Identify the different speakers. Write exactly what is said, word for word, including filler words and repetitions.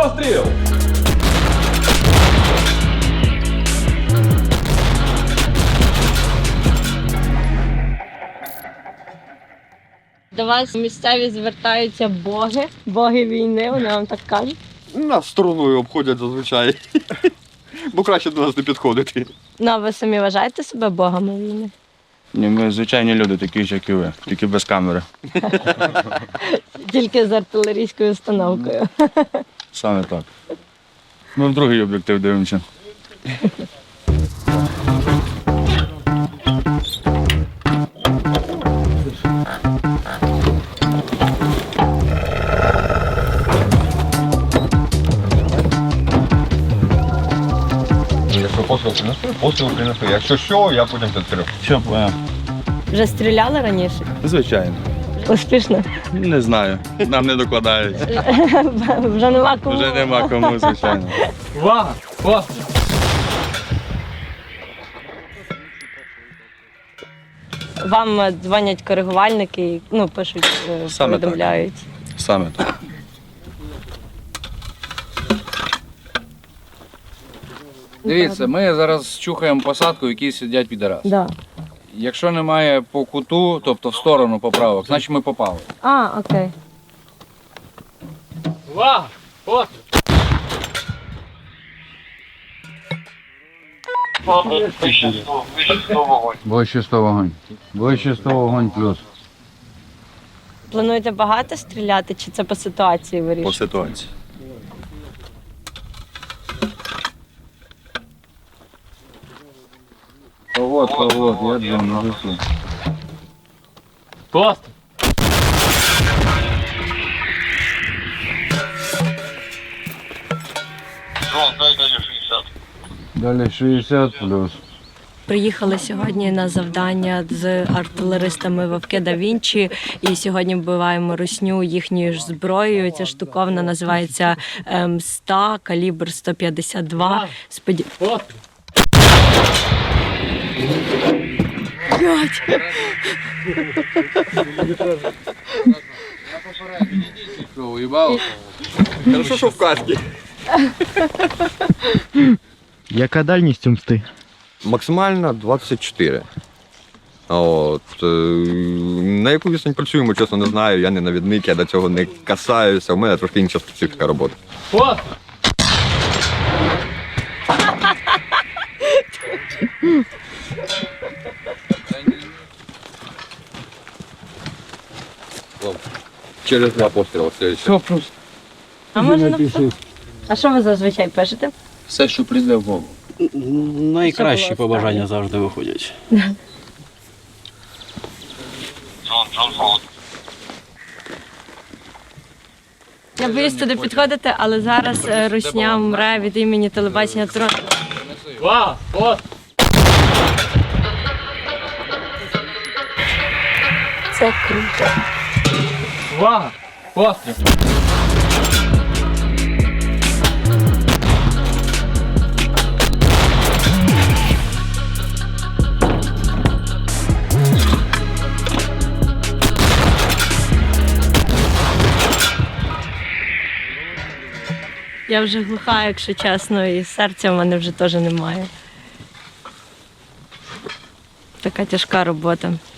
Speaker 1: Постріл!
Speaker 2: До вас місцеві звертаються боги, боги війни, вони вам так кажуть.
Speaker 3: Нас стороною обходять зазвичай. Бо краще до нас не підходити.
Speaker 2: Ну, а ви самі вважаєте себе богами війни?
Speaker 4: Ні, ми звичайні люди, такі ж, як і ви, тільки без камери.
Speaker 2: Тільки з артилерійською установкою.
Speaker 4: Саме так. Ми в другий об'єктив дивимося.
Speaker 3: Якщо постріл принесли, постріл принесли. Якщо що, я потім підкрив.
Speaker 4: Що, поняв?
Speaker 2: Вже стріляли раніше?
Speaker 4: Звичайно.
Speaker 2: Успішно?
Speaker 4: Не знаю. Нам не докладають.
Speaker 2: Вже нема кому.
Speaker 4: Вже нема кому, звичайно.
Speaker 1: Увага! Постріл!
Speaker 2: Вам е, дзвонять коригувальники і ну, пишуть, е,
Speaker 4: Саме так.
Speaker 2: повідомляють.
Speaker 4: Саме так.
Speaker 5: Дивіться, ми зараз чухаємо посадку, в якій сидять підараси.
Speaker 2: Да.
Speaker 5: Якщо немає по куту, тобто в сторону поправок, значить ми попали.
Speaker 2: А, окей.
Speaker 1: Увага! Постріл!
Speaker 5: Ближче сто вогонь. Ближче сто вогонь плюс.
Speaker 2: Плануєте багато стріляти, чи це по ситуації
Speaker 4: По
Speaker 2: вирішуєте?
Speaker 4: ситуації.
Speaker 5: Вот, вот, я двину на весу.
Speaker 1: Постріл!
Speaker 5: Далі шістдесят плюс.
Speaker 2: Приїхали сьогодні на завдання з артилеристами Вовки да Вінчі, і сьогодні вбиваємо русню їхньою ж зброєю. Ця штуковна називається ем, ста, калібр сто п'ятдесят два. Споді...
Speaker 1: Постріл!
Speaker 5: Що, уїбав?
Speaker 3: Хорошо, що в касті.
Speaker 6: Яка дальність у мсти?
Speaker 3: Максимально двадцять чотири. От, е, на яку відстань працюємо, чесно не знаю. Я не навідник, я до цього не касаюся. У мене трошки інша специфіка роботи.
Speaker 1: Постріл!
Speaker 3: Через два постріли.
Speaker 5: Все просто.
Speaker 2: А може написати? А що ви зазвичай пишете?
Speaker 5: Все, що прийде в голову.
Speaker 6: Найкращі побажання завжди виходять.
Speaker 2: Я боюсь туди підходити, але зараз е, русня мре від імені телебачення Трон.
Speaker 1: Увага! Постріл!
Speaker 2: Це круто.
Speaker 1: Увага! Постріл!
Speaker 2: Я вже глуха, якщо чесно, і серця в мене вже теж немає. Така тяжка робота.